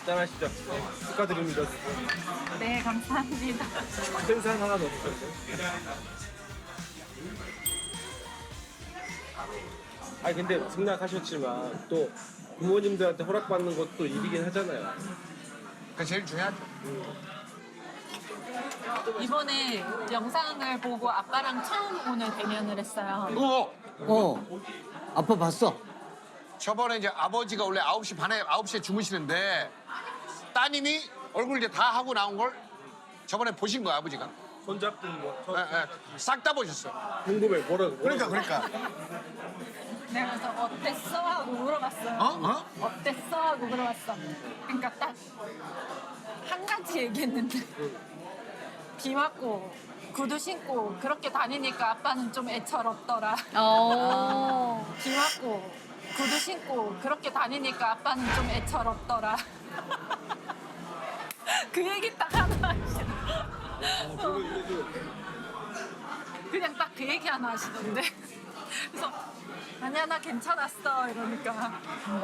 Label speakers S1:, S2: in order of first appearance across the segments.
S1: 짠하시죠? 네, 축하드립니다.
S2: 네, 감사합니다.
S1: 큰 산 하나 넣어주셨어요. 아니 근데 승낙하셨지만 또 부모님들한테 허락받는 것도 일이긴 하잖아요.
S3: 그게 제일 중요하죠.
S2: 이번에 영상을 보고 아빠랑 처음 오늘 대면을 했어요.
S4: 아빠 봤어?
S3: 저번에 이제 아버지가 원래 9시 반에 9시에 주무시는데 따님이 얼굴 이제 다 하고 나온 걸 저번에 보신 거야 아버지가.
S1: 손잡고 뭐
S3: 싹 다 보셨어요.
S1: 궁금해 뭐라고?
S3: 그러니까.
S2: 내가 그래서 어땠어? 하고 물어봤어요. 어땠어? 하고 물어봤어. 그러니까 딱 한 가지 얘기했는데 비 맞고 구두 신고 그렇게 다니니까 아빠는 좀 애처롭더라. 비 맞고 구두 신고 그렇게 다니니까 아빠는 좀 애처롭더라. 그 얘기 딱 하나 하시더라고요. 그냥 딱 그 얘기 하나 하시던데. 그래서 아니야 나 괜찮았어 이러니까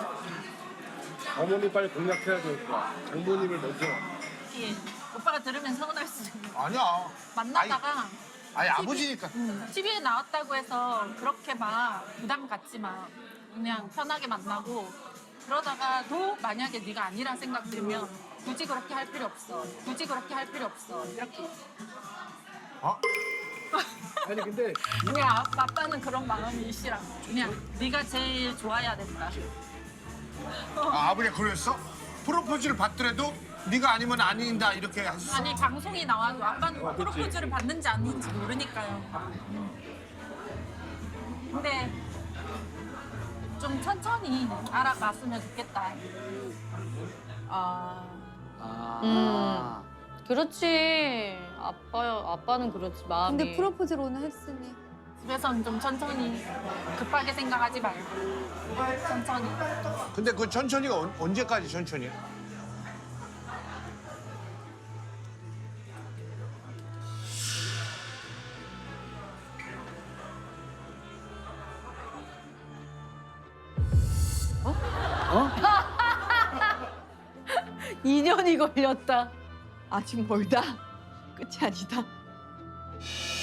S1: 어머니 빨리 공략해야 되니까 장모님을 먼저.
S2: 예. 오빠가 들으면 서운할 수 있는.
S3: 아니야.
S2: 만나다가
S3: 아니 아버지니까.
S2: TV에 나왔다고 해서 그렇게 막 부담 갖지 마. 그냥 편하게 만나고 그러다가도 만약에 네가 아니란 생각 들면 굳이 그렇게 할 필요 없어. 굳이 그렇게 할 필요 없어. 이렇게.
S1: 아니 근데
S2: 그냥 아빠는 그런 마음이시라. 그냥 네가 제일 좋아야 된다.
S3: 아버지가 그랬어? 프로포즈를 받더라도 네가 아니면 아닌다 이렇게 하셨어?
S2: 아니 방송이 나와도 아빠는 프로포즈를 받는지 아닌지 모르니까요. 근데 좀 천천히 알아봤으면 좋겠다.
S5: 그렇지. 아빠는 그렇지, 마음이.
S6: 근데 프로포즈를 오늘 했으니.
S2: 집에서는 좀 천천히 급하게 생각하지 말고 천천히.
S3: 근데 그 천천히가 언제까지 천천히?
S4: 어?
S5: 2년이 걸렸다.
S6: 아직 멀다. 끝이 아니다.